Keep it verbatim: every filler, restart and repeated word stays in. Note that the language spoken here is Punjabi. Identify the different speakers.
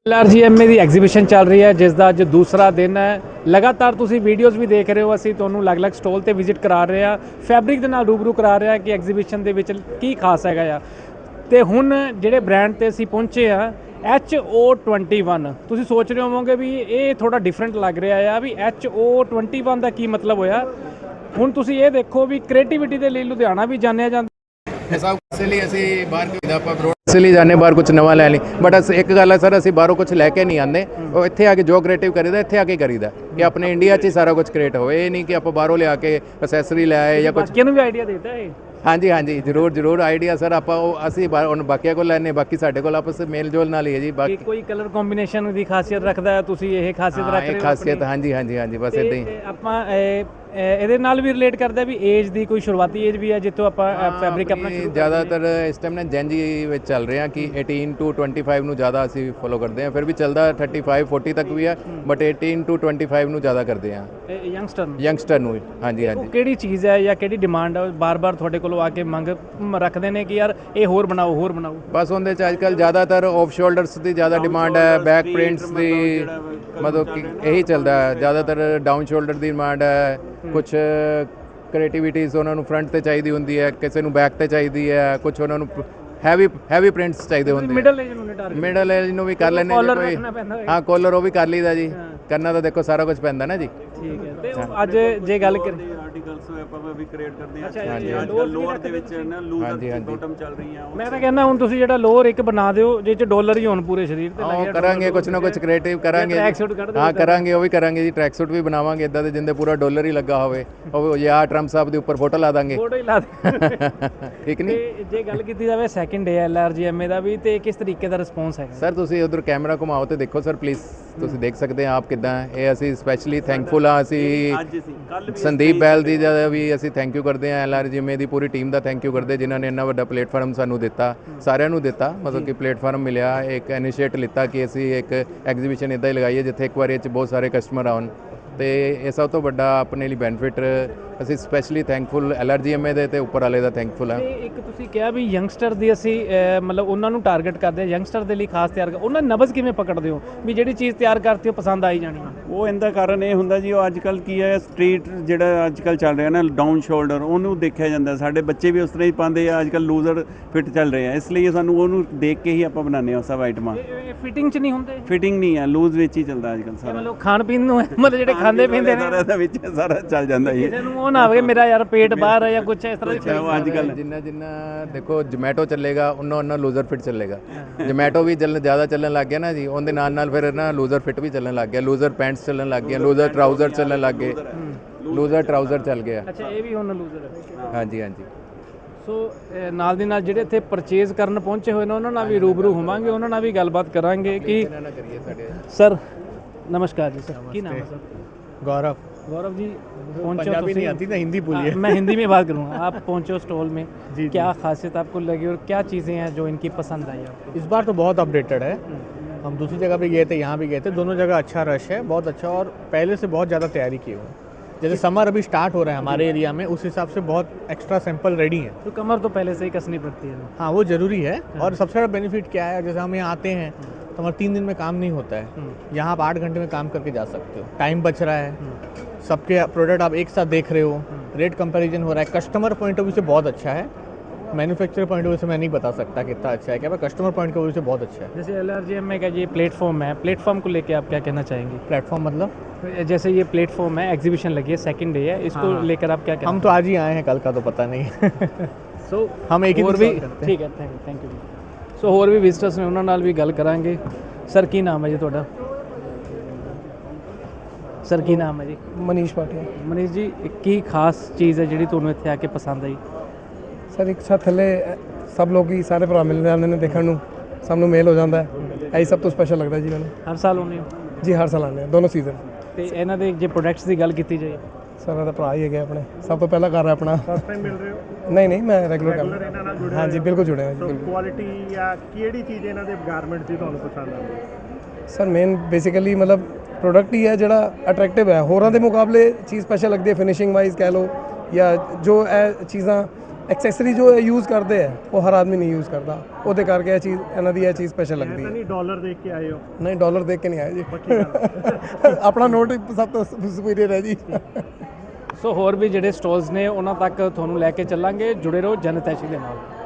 Speaker 1: L R G M A ਦੀ ਐਗਜ਼ੀਬਿਸ਼ਨ ਚੱਲ ਰਹੀ ਹੈ ਜਿਸ ਦਾ ਅੱਜ ਦੂਸਰਾ ਦਿਨ ਹੈ। ਲਗਾਤਾਰ ਤੁਸੀਂ ਵੀਡੀਓਜ਼ ਵੀ ਦੇਖ ਰਹੇ ਹੋ, ਅਸੀਂ ਤੁਹਾਨੂੰ ਅਲੱਗ-ਅਲੱਗ ਸਟਾਲ ਤੇ ਵਿਜ਼ਿਟ ਕਰਾ ਰਹੇ ਹਾਂ, ਫੈਬਰਿਕ ਦੇ ਨਾਲ ਰੂਬਰੂ ਕਰਾ ਰਹੇ ਹਾਂ ਕਿ ਐਗਜ਼ੀਬਿਸ਼ਨ ਦੇ ਵਿੱਚ ਕੀ ਖਾਸ ਹੈਗਾ ਆ। ਤੇ ਹੁਣ ਜਿਹੜੇ ਬ੍ਰਾਂਡ ਤੇ ਅਸੀਂ ਪਹੁੰਚੇ ਆ ਐਚ ਓ ਟਵੈਂਟੀ ਵਨ, ਤੁਸੀਂ ਸੋਚ ਰਹੇ ਹੋਵੋਗੇ ਵੀ ਇਹ ਥੋੜਾ ਡਿਫਰੈਂਟ ਲੱਗ ਰਿਹਾ ਆ ਵੀ ਐਚ ਓ ਟਵੈਂਟੀ ਵਨ ਦਾ ਕੀ ਮਤਲਬ ਹੋਇਆ। ਹੁਣ ਤੁਸੀਂ ਇਹ ਦੇਖੋ ਵੀ ਕ੍ਰੀਏਟੀਵਿਟੀ ਦੇ ਲਈ ਲੁਧਿਆਣਾ ਵੀ ਜਾਣਿਆ ਜਾਂਦਾ।
Speaker 2: ਸਭ ਇਸ ਲਈ ਅਸੀਂ ਬਾਹਰ ਕਿਦਾ ਆਪਾਂ ਬਰੋਡ ਇਸ ਲਈ ਜਾਂਦੇ ਬਾਹਰ ਕੁਝ ਨਵਾਂ ਲੈ ਲਈ, ਬਟ ਅਸ ਇੱਕ ਗੱਲ ਹੈ ਸਰ, ਅਸੀਂ ਬਾਹਰੋਂ ਕੁਝ ਲੈ ਕੇ ਨਹੀਂ ਆਉਂਦੇ। ਉਹ ਇੱਥੇ ਆ ਕੇ ਜੋ ਕ੍ਰੀਏਟਿਵ ਕਰੀਦਾ ਇੱਥੇ ਆ ਕੇ ਕਰੀਦਾ ਕਿ ਆਪਣੇ ਇੰਡੀਆ 'ਚ ਹੀ ਸਾਰਾ ਕੁਝ ਕ੍ਰੀਏਟ ਹੋਵੇ। ਇਹ ਨਹੀਂ ਕਿ ਆਪਾਂ ਬਾਹਰੋਂ ਲਿਆ ਕੇ ਅਸੈਸਰੀ ਲੈ ਆਏ ਜਾਂ ਕੁਝ।
Speaker 1: ਬਾਕੀਆਂ ਨੂੰ ਵੀ ਆਈਡੀਆ ਦੇਤਾ ਹੈ।
Speaker 2: ਹਾਂਜੀ ਹਾਂਜੀ ਜ਼ਰੂਰ ਜ਼ਰੂਰ ਆਈਡੀਆ ਸਰ, ਆਪਾਂ ਉਹ ਅਸੀਂ ਹੁਣ ਬਾਕੀਆਂ ਕੋਲ ਲੈਣੇ, ਬਾਕੀ ਸਾਡੇ ਕੋਲ ਆਪਸ ਮੇਲ ਜੋਲ ਨਾਲ ਹੀ ਹੈ ਜੀ। ਬਾਕੀ
Speaker 1: ਕੋਈ ਕਲਰ ਕੰਬੀਨੇਸ਼ਨ ਦੀ ਖਾਸੀਅਤ ਰੱਖਦਾ ਹੈ, ਤੁਸੀਂ ਇਹ ਖਾਸੀਅਤ ਰੱਖ ਰਹੇ ਹੋ।
Speaker 2: ਖਾਸੀਅਤ ਹਾਂਜੀ ਹਾਂਜੀ ਹਾਂਜੀ ਬਸ ਇਦਾਂ ਹੀ
Speaker 1: ਆਪਾਂ ਇਹਦੇ ਨਾਲ ਵੀ ਰਿਲੇਟ ਕਰਦਾ ਵੀ ਏਜ ਦੀ ਕੋਈ ਸ਼ੁਰੂਆਤੀ ਏਜ ਵੀ ਹੈ ਜਿੱਥੋਂ ਆਪਾਂ ਫੈਬਰਿਕ ਆਪਣਾ ਸ਼ੁਰੂ
Speaker 2: ਜ਼ਿਆਦਾਤਰ ਇਸ ਟਾਈਮ ਨਾ ਜੈਨਜੀ ਵਿੱਚ ਚੱਲ ਰਹੇ ਹਾਂ ਕਿ ਅਠਾਰਾਂ ਟੂ ਪੱਚੀ ਨੂੰ ਜ਼ਿਆਦਾ ਅਸੀਂ ਫੋਲੋ ਕਰਦੇ ਹਾਂ। ਫਿਰ ਵੀ ਚੱਲਦਾ ਪੈਂਤੀ ਚਾਲੀ ਤੱਕ ਵੀ ਹੈ, ਬਟ ਅਠਾਰਾਂ ਟੂ ਪੱਚੀ ਨੂੰ ਜ਼ਿਆਦਾ ਕਰਦੇ ਹਾਂ।
Speaker 1: ਯੰਗਸਟਰ ਨੂੰ
Speaker 2: ਯੰਗਸਟਰ ਨੂੰ ਹਾਂਜੀ ਹਾਂਜੀ
Speaker 1: ਕਿਹੜੀ ਚੀਜ਼ ਹੈ ਜਾਂ ਕਿਹੜੀ ਡਿਮਾਂਡ ਹੈ ਬਾਰ-ਬਾਰ ਤੁਹਾਡੇ ਕੋਲੋਂ ਆ ਕੇ ਮੰਗ ਰੱਖਦੇ ਨੇ ਕਿ ਯਾਰ ਇਹ ਹੋਰ ਬਣਾਓ ਹੋਰ ਬਣਾਓ?
Speaker 2: ਬਸ ਉਹਦੇ 'ਚ ਅੱਜ ਕੱਲ੍ਹ ਜ਼ਿਆਦਾਤਰ ਆਫ ਸ਼ੋਲਡਰਸ ਦੀ ਜ਼ਿਆਦਾ ਡਿਮਾਂਡ ਹੈ, ਬੈਕ ਪ੍ਰਿੰਟਸ ਦੀ, ਮਤਲਬ ਕਿ ਇਹੀ ਚੱਲਦਾ ਹੈ ਜ਼ਿਆਦਾਤਰ। ਡਾਊਨ ਸ਼ੋਲਡਰ ਦੀ ਡਿਮਾਂਡ ਹੈ, ਕੁਝ ਕ੍ਰੀਏਟੀਵਿਟੀਜ਼ ਉਹਨਾਂ ਨੂੰ ਫਰੰਟ ਤੇ ਚਾਹੀਦੀ ਹੁੰਦੀ ਹੈ, ਕਿਸੇ ਨੂੰ ਬੈਕ ਤੇ ਚਾਹੀਦੀ ਹੈ, ਕੁਝ ਉਹਨਾਂ ਨੂੰ ਹੈਵੀ ਹੈਵੀ ਪ੍ਰਿੰਟਸ ਚਾਹੀਦੇ ਹੁੰਦੇ।
Speaker 1: ਮਿਡਲ ਏਜ ਨੂੰ ਟਾਰਗੇਟ
Speaker 2: ਮਿਡਲ ਏਜ ਨੂੰ ਵੀ ਕਰ ਲੈਂਦੇ ਜੇ ਕੋਈ। ਹਾਂ ਕੋਲਰ ਉਹ ਵੀ ਕਰ ਲਈਦਾ ਜੀ, ਕਰਨਾ ਤਾਂ ਦੇਖੋ ਸਾਰਾ ਕੁਝ ਪੈਂਦਾ ਨਾ ਜੀ।
Speaker 1: ਠੀਕ ਹੈ। ਤੇ ਅੱਜ ਜੇ ਗੱਲ ਕਰੀਏ
Speaker 3: ਆਰਟੀਕਲਸ ਆਪਾਂ ਵੀ ਕ੍ਰੀਏਟ ਕਰਦੇ ਹਾਂ।
Speaker 1: ਹਾਂਜੀ
Speaker 3: ਅੱਜ ਕੱਲ੍ਹ ਲੋਅਰ ਦੇ ਵਿੱਚ ਨਾ ਲੂਜ਼ਰ ਬੋਟਮ ਚੱਲ ਰਹੀਆਂ।
Speaker 1: ਮੈਂ ਤਾਂ ਕਹਿੰਦਾ ਹੁਣ ਤੁਸੀਂ ਜਿਹੜਾ ਲੋਅਰ ਇੱਕ ਬਣਾ ਦਿਓ ਜਿਹ ਚ ਡਾਲਰ ਹੀ ਹੋਣ ਪੂਰੇ ਸਰੀਰ ਤੇ
Speaker 2: ਉਹ ਕਰਾਂਗੇ, ਕੁਝ ਨਾ ਕੁਝ ਕ੍ਰੀਏਟਿਵ ਕਰਾਂਗੇ। ਹਾਂ ਕਰਾਂਗੇ, ਉਹ ਵੀ ਕਰਾਂਗੇ ਜੀ। ਟਰੈਕ ਸੂਟ ਵੀ ਬਣਾਵਾਂਗੇ ਇਦਾਂ ਦੇ ਜਿੰਦੇ ਪੂਰਾ ਡਾਲਰ ਹੀ ਲੱਗਾ ਹੋਵੇ, ਉਹ ਜਾਂ ਟਰੰਪ ਸਾਹਿਬ ਦੇ ਉੱਪਰ ਫੋਟੋ ਲਾ ਦਾਂਗੇ।
Speaker 1: ਫੋਟੋ ਹੀ ਲਾ ਦੇ
Speaker 2: ਠੀਕ ਨਹੀਂ।
Speaker 1: ਤੇ ਜੇ ਗੱਲ ਕੀਤੀ ਜਾਵੇ second day L R G M A ਦਾ ਵੀ, ਤੇ ਕਿਸ ਤਰੀਕੇ ਦਾ ਰਿਸਪੌਂਸ ਹੈਗਾ?
Speaker 2: ਸਰ ਤੁਸੀਂ ਉਧਰ ਕੈਮਰਾ ਘੁਮਾਓ ਤੇ ਦੇਖੋ ਸਰ ਪਲੀਜ਼, ਤੁਸੀਂ ਦੇਖ ਸਕਦੇ ਆ ਆਪ ਕਿੱਦਾਂ। ਇਹ ਅਸੀਂ ਸਪੈਸ਼ਲੀ ਥੈਂਕਫੁਲ ਆ, ਅਸੀਂ ਸੰਦੀਪ ਬੈਲ ਦੀ ਦਾ ਵੀ ਅਸੀਂ ਥੈਂਕ ਯੂ ਕਰਦੇ ਹਾਂ, L R G M A ਦੀ ਪੂਰੀ ਟੀਮ ਦਾ ਥੈਂਕ ਯੂ ਕਰਦੇ ਜਿਨ੍ਹਾਂ ਨੇ ਇੰਨਾ ਵੱਡਾ ਪਲੇਟਫਾਰਮ ਸਾਨੂੰ ਦਿੱਤਾ, ਸਾਰਿਆਂ ਨੂੰ ਦਿੱਤਾ, ਮਤਲਬ ਕਿ ਪਲੇਟਫਾਰਮ ਮਿਲਿਆ, ਇੱਕ ਇਨੀਸ਼ੀਏਟ ਲਿੱਤਾ ਕਿ ਅਸੀਂ ਇੱਕ ਐਗਜ਼ੀਬਿਸ਼ਨ ਇੱਦਾਂ ਹੀ ਲਗਾਈਏ ਜਿੱਥੇ ਇੱਕ ਵਾਰੀ 'ਚ ਬਹੁਤ ਸਾਰੇ ਕਸਟਮਰ ਆਉਣ। ਤੇ ਇਹ ਸਭ ਤੋਂ ਵੱਡਾ ਆਪਣੇ ਲਈ ਬੈਨੀਫਿਟ, ਅਸੀਂ specially thankful L R G M A ਦੇ ਤੇ ਉੱਪਰ ਵਾਲੇ ਦਾ ਥੈਂਕਫੁਲ ਹਾਂ।
Speaker 1: ਇੱਕ ਤੁਸੀਂ ਕਿਹਾ ਵੀ ਯੰਗਸਟਰ ਦੀ ਅਸੀਂ ਮਤਲਬ ਉਹਨਾਂ ਨੂੰ ਟਾਰਗੇਟ ਕਰਦੇ ਹਾਂ, ਯੰਗਸਟਰ ਦੇ ਲਈ ਖਾਸ ਤਿਆਰ ਕਰ, ਉਹਨਾਂ ਨਬਜ਼ ਕਿਵੇਂ ਪਕੜਦੇ ਹੋ ਵੀ ਜਿਹੜੀ ਚੀਜ਼ ਤਿਆਰ ਕਰਤੀ ਉਹ ਪਸੰਦ ਆਈ ਜਾਣੀ?
Speaker 3: ਉਹ ਇਹਦਾ ਕਾਰਨ ਇਹ ਹੁੰਦਾ ਜੀ, ਉਹ ਅੱਜ ਕੱਲ੍ਹ ਕੀ ਹੈ ਸਟਰੀਟ ਜਿਹੜਾ ਅੱਜ ਕੱਲ੍ਹ ਚੱਲ ਰਿਹਾ ਨਾ ਡਾਊਨ ਸ਼ੋਲਡਰ, ਉਹਨੂੰ ਦੇਖਿਆ ਜਾਂਦਾ। ਸਾਡੇ ਬੱਚੇ ਵੀ ਉਸ ਤਰ੍ਹਾਂ ਹੀ ਪਾਉਂਦੇ ਆ, ਅੱਜ ਕੱਲ੍ਹ ਲੂਜ਼ਰ ਫਿੱਟ ਚੱਲ ਰਹੇ ਆ, ਇਸ ਲਈ ਸਾਨੂੰ ਉਹਨੂੰ ਦੇਖ ਕੇ ਹੀ ਆਪਾਂ ਬਣਾਉਂਦੇ ਹਾਂ ਸਭ ਆਈਟਮਾਂ।
Speaker 1: ਫਿਟਿੰਗ 'ਚ ਨਹੀਂ ਹੁੰਦੇ?
Speaker 3: ਫਿਟਿੰਗ ਨਹੀਂ ਹੈ, ਲੂਜ਼ ਵਿੱਚ ਹੀ ਚੱਲਦਾ ਅੱਜ ਕੱਲ੍ਹ ਸਾਰਾ।
Speaker 1: ਮਤਲਬ ਖਾਣ ਪੀਣ ਨੂੰ ਮਤਲਬ ਜਿਹੜੇ ਖਾਂਦੇ ਪੀਂਦੇ ਨੇ
Speaker 3: ਸਾਰਾ ਵਿੱਚ ਸਾਰਾ ਚੱਲ ਜਾਂਦਾ ਜੀ।
Speaker 1: ਕਿਸੇ ਨੂੰ ਉਹ ਨਾ ਹੋਵੇ ਮੇਰਾ ਯਾਰ ਪੇਟ ਬਾਹਰ ਹੈ ਜਾਂ ਕੁਝ ਇਸ ਤਰ੍ਹਾਂ ਦੀ।
Speaker 2: ਅੱਜ ਕੱਲ੍ਹ ਜਿੰਨਾ ਜਿੰਨਾ ਦੇਖੋ ਜੋਮੈਟੋ ਚੱਲੇਗਾ ਉਹਨਾਂ ਉਹਨਾਂ ਲੂਜ਼ਰ ਫਿਟ ਚੱਲੇਗਾ। ਜੋਮੈਟੋ ਵੀ ਚੱਲਣ ਜ਼ਿਆਦਾ ਚੱਲਣ ਲੱਗ ਗਿਆ ਨਾ ਜੀ, ਉਹਦੇ ਨਾਲ ਨਾਲ ਫਿਰ ਨਾ ਲੂਜ਼ਰ ਫਿਟ ਵੀ ਚੱਲਣ ਲੱਗ ਗਿਆ, ਲੂਜ਼ਰ ਪੈਂਟਸ ਚੱਲਣ ਲੱਗ ਗਿਆ, ਲੂਜ਼ਰ ਟਰਾਊਜ਼ਰ ਚੱਲਣ ਲੱਗ ਗਏ, ਲੂਜ਼ਰ ਟਰਾਊਜ਼ਰ ਚੱਲ ਗਿਆ।
Speaker 1: ਅੱਛਾ, ਇਹ ਵੀ ਹੁਣ ਲੂਜ਼ਰ ਹੈ।
Speaker 2: ਹਾਂਜੀ ਹਾਂਜੀ।
Speaker 1: ਸੋ ਨਾਲ ਦੀ ਨਾਲ ਜਿਹੜੇ ਇੱਥੇ ਪਰਚੇਜ਼ ਕਰਨ ਪਹੁੰਚੇ ਹੋਏ ਨੇ ਉਹਨਾਂ ਨਾਲ ਵੀ ਰੂਬਰੂ ਹੋਵਾਂਗੇ, ਉਹਨਾਂ ਨਾਲ ਵੀ ਗੱਲਬਾਤ ਕਰਾਂਗੇ ਕਿ ਸਰ ਨਮस्कार जी। सर की नाम है सर?
Speaker 4: गौरव।
Speaker 1: गौरव जी पहुंचो,
Speaker 4: पंजाबी नहीं आती ना, हिंदी बोलिए।
Speaker 1: मैं हिंदी में बात करूँगा। आप पहुंचो स्टॉल में,
Speaker 4: जी
Speaker 1: क्या खासियत आपको लगी और क्या चीज़ें हैं जो इनकी पसंद आई आपको?
Speaker 4: इस बार तो बहुत अपडेटेड है। हम दूसरी जगह भी गए थे, यहाँ भी गए थे, दोनों जगह अच्छा रश है, बहुत अच्छा, और पहले से बहुत ज़्यादा तैयारी की हुई है। जैसे समर अभी स्टार्ट हो रहा है हमारे एरिया में, उस हिसाब से बहुत एक्स्ट्रा सैंपल रेडी है।
Speaker 1: तो कमर तो पहले से ही कसनी पड़ती है।
Speaker 4: हाँ वो ज़रूरी है। और सबसे बड़ा बेनिफिट क्या है, जैसे हम यहाँ आते हैं तो हमारा तीन दिन में काम नहीं होता है, यहाँ आप आठ घंटे में काम करके जा सकते हो, टाइम बच रहा है, सबके प्रोडक्ट आप एक साथ देख रहे हो, रेट कंपैरिजन हो रहा है। कस्टमर पॉइंट ऑफ व्यू से बहुत अच्छा है, मैन्युफैक्चरर पॉइंट ऑफ व्यू से मैं नहीं बता सकता कितना अच्छा है क्या, पर कस्टमर पॉइंट ऑफ व्यू से बहुत अच्छा है।
Speaker 1: जैसे एल आर जी एम का ये प्लेटफॉर्म है, प्लेटफॉर्म को लेके आप क्या कहना चाहेंगे?
Speaker 4: प्लेटफॉर्म मतलब?
Speaker 1: जैसे ये प्लेटफॉर्म है, एग्जीबिशन लगी है, सेकंड डे है, इसको
Speaker 4: हाँ।
Speaker 1: लेकर आप क्या कहना?
Speaker 4: हम तो आज ही आए हैं, कल का तो पता नहीं।
Speaker 1: सो
Speaker 4: हम एक ही
Speaker 1: ਹੋਰ
Speaker 4: दिन
Speaker 1: ਵੀ
Speaker 4: करते हैं।
Speaker 1: ਠੀਕ ਹੈ, ਥੈਂਕ ਯੂ ਥੈਂਕ ਯੂ ਜੀ। ਸੋ ਹੋਰ ਵੀ ਵਿਜ਼ਟਰਸ ਨੇ, ਉਹਨਾਂ ਨਾਲ ਵੀ ਗੱਲ ਕਰਾਂਗੇ। ਸਰ ਕੀ ਨਾਮ ਹੈ ਜੀ ਤੁਹਾਡਾ? ਸਰ ਕੀ ਨਾਮ ਹੈ ਜੀ?
Speaker 5: ਮਨੀਸ਼ ਭਾਟੀਆ।
Speaker 1: ਮਨੀਸ਼ ਜੀ, ਕੀ ਖਾਸ ਚੀਜ਼ ਹੈ ਜਿਹੜੀ ਤੁਹਾਨੂੰ ਇੱਥੇ ਆ ਕੇ ਪਸੰਦ ਆਈ?
Speaker 5: ਸਰ ਇੱਕ ਸਾਥ ਥੱਲੇ ਸਭ ਲੋਕ ਹੀ ਸਾਰੇ ਭਰਾ ਮਿਲ ਜਾਂਦੇ ਨੇ, ਦੇਖਣ ਨੂੰ ਸਭ ਨੂੰ ਮੇਲ ਹੋ ਜਾਂਦਾ ਹੈ, ਇਹੀ ਸਭ ਤੋਂ ਸਪੈਸ਼ਲ ਲੱਗਦਾ ਜੀ ਮੈਨੂੰ।
Speaker 1: ਹਰ ਸਾਲ ਆਉਂਦੇ ਹੋ?
Speaker 5: ਜੀ ਹਰ ਸਾਲ ਆਉਂਦੇ ਹਾਂ, ਦੋਨੋਂ ਸੀਜ਼ਨ।
Speaker 1: ਤੇ ਇਹਨਾਂ ਦੇ ਜੇ ਪ੍ਰੋਡਕਟਸ ਦੀ ਗੱਲ ਕੀਤੀ ਜਾਏ?
Speaker 5: ਸਰ ਇਹਦਾ ਭਰਾ ਹੀ ਹੈਗੇ ਆਪਣੇ, ਸਭ ਤੋਂ ਪਹਿਲਾਂ ਕਰ ਰਿਹਾ ਆਪਣਾ।
Speaker 6: ਫਸਟ ਟਾਈਮ ਮਿਲ ਰਹੇ ਹੋ?
Speaker 5: ਨਹੀਂ ਨਹੀਂ, ਮੈਂ ਰੈਗੂਲਰ ਕਰ
Speaker 6: ਰੈਗੂਲਰ ਇਹਨਾਂ ਨਾਲ ਜੁੜੇ
Speaker 5: ਹਾਂ ਜੀ, ਬਿਲਕੁਲ ਜੁੜਿਆ ਹਾਂ ਜੀ,
Speaker 6: ਸੋ
Speaker 5: ਬਿਲਕੁਲ।
Speaker 6: ਕੁਆਲਿਟੀ ਜਾਂ ਕਿਹੜੀ ਚੀਜ਼ ਇਹਨਾਂ ਦੇ ਗਾਰਮੈਂਟਸ ਦੀ ਤੁਹਾਨੂੰ ਪਸੰਦ ਆਉਂਦੀ?
Speaker 5: ਸਰ ਮੇਨ ਬੇਸਿਕਲੀ ਮਤਲਬ ਪ੍ਰੋਡਕਟ ਹੀ ਹੈ ਜਿਹੜਾ ਅਟਰੈਕਟਿਵ ਹੈ, ਹੋਰਾਂ ਦੇ ਮੁਕਾਬਲੇ ਚੀਜ਼ ਸਪੈਸ਼ਲ ਲੱਗਦੀ ਹੈ, ਫਿਨਿਸ਼ਿੰਗ ਵਾਈਜ਼ ਕਹਿ ਲਓ ਜਾਂ ਜੋ ਇਹ ਚੀਜ਼ਾਂ ਐਕਸੈਸਰੀ ਜੋ ਯੂਜ਼ ਕਰਦੇ ਆ ਉਹ ਹਰ ਆਦਮੀ ਨਹੀਂ ਯੂਜ਼ ਕਰਦਾ, ਉਹਦੇ ਕਰਕੇ ਇਹ ਚੀਜ਼ ਇਹਨਾਂ ਦੀ ਇਹ ਚੀਜ਼ ਸਪੈਸ਼ਲ
Speaker 6: ਮੈਂ
Speaker 5: ਲੱਗਦੀ
Speaker 6: ਤਾਂ
Speaker 5: ਹੈ।
Speaker 6: ਨਹੀਂ ਡਾਲਰ ਦੇਖ ਕੇ ਆਏ ਹੋ।
Speaker 5: ਨਹੀਂ ਡਾਲਰ ਦੇਖ ਕੇ ਨਹੀਂ ਆਏ ਜੀ, ਆਪਣਾ ਨੋਟ ਸਭ ਤੋਂ ਸੁਪੀਰੀਅਰ ਹੈ ਜੀ।
Speaker 1: ਸੋ ਹੋਰ ਵੀ ਜਿਹੜੇ ਸਟਾਲਸ ਨੇ ਉਹਨਾਂ ਤੱਕ ਤੁਹਾਨੂੰ ਲੈ ਕੇ ਚੱਲਾਂਗੇ, ਜੁੜੇ ਰਹੋ ਜਨਤੈਸ਼ੀ ਦੇ ਨਾਲ।